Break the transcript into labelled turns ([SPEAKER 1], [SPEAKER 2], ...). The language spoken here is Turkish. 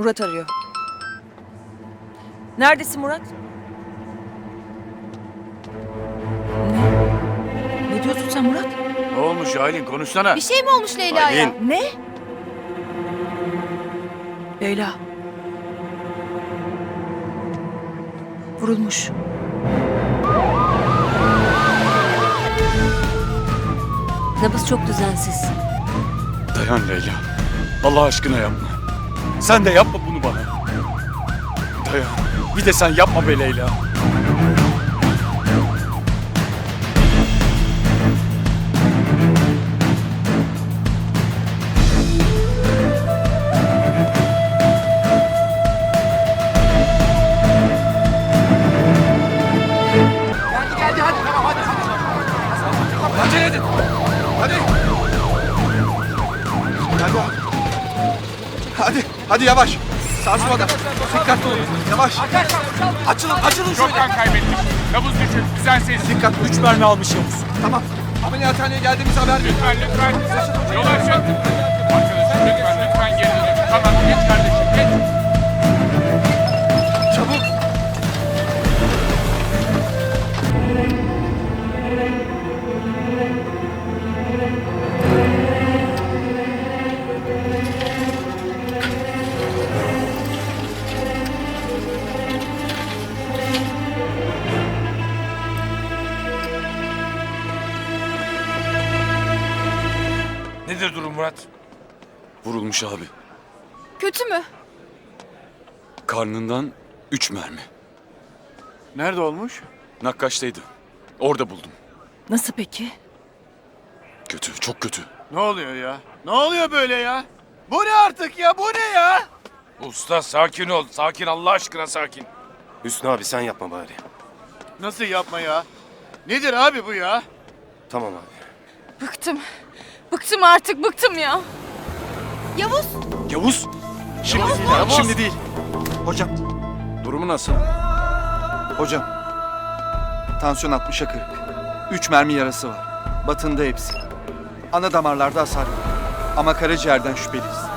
[SPEAKER 1] Murat arıyor. Neredesin Murat? Ne? Ne diyorsun sen Murat?
[SPEAKER 2] Ne olmuş Aylin, konuşsana.
[SPEAKER 3] Bir şey mi olmuş Leyla'ya?
[SPEAKER 2] Aylin.
[SPEAKER 1] Ne? Leyla. Vurulmuş.
[SPEAKER 3] Nabız çok düzensiz.
[SPEAKER 2] Dayan Leyla. Allah aşkına yapma. Sen de yapma bunu bana. Dayan. Bir de sen yapma be Leyla.
[SPEAKER 4] Geldi hadi tamam hadi. Acele edin. Hadi. Hadi yavaş. Sarsmadan. Dikkatli olun. Yavaş. Açılın şöyle.
[SPEAKER 5] Çok kan kaybettik. Nabız düşük, düzensiz.
[SPEAKER 4] Dikkatli. 3 mermi almış Yavuz. Tamam. Ameliyathaneye geldiğimiz haber verin.
[SPEAKER 5] Lütfen. Yol açın. Arkadaşım lütfen geri dönün. Tamam, geç kardeşim, geç.
[SPEAKER 4] Çabuk.
[SPEAKER 5] Nedir durum Murat?
[SPEAKER 2] Vurulmuş abi.
[SPEAKER 3] Kötü mü?
[SPEAKER 2] Karnından 3 mermi.
[SPEAKER 6] Nerede olmuş?
[SPEAKER 2] Nakkaş'taydı. Orada buldum.
[SPEAKER 1] Nasıl peki?
[SPEAKER 2] Kötü, çok kötü.
[SPEAKER 6] Ne oluyor ya? Ne oluyor böyle ya? Bu ne artık ya? Bu ne ya?
[SPEAKER 5] Usta sakin ol. Sakin, Allah aşkına sakin.
[SPEAKER 7] Hüsnü abi sen yapma bari.
[SPEAKER 6] Nasıl yapma ya? Nedir abi bu ya?
[SPEAKER 7] Tamam abi.
[SPEAKER 3] Bıktım. Bıktım artık, bıktım ya. Yavuz!
[SPEAKER 2] Yavuz!
[SPEAKER 4] Şimdi değil.
[SPEAKER 2] Yavuz!
[SPEAKER 4] Şimdi değil. Hocam.
[SPEAKER 2] Durumu nasıl?
[SPEAKER 4] Hocam. Tansiyon 60'a 40. 3 mermi yarası var. Batında hepsi. Ana damarlarda hasar var. Ama karaciğerden şüpheliyiz.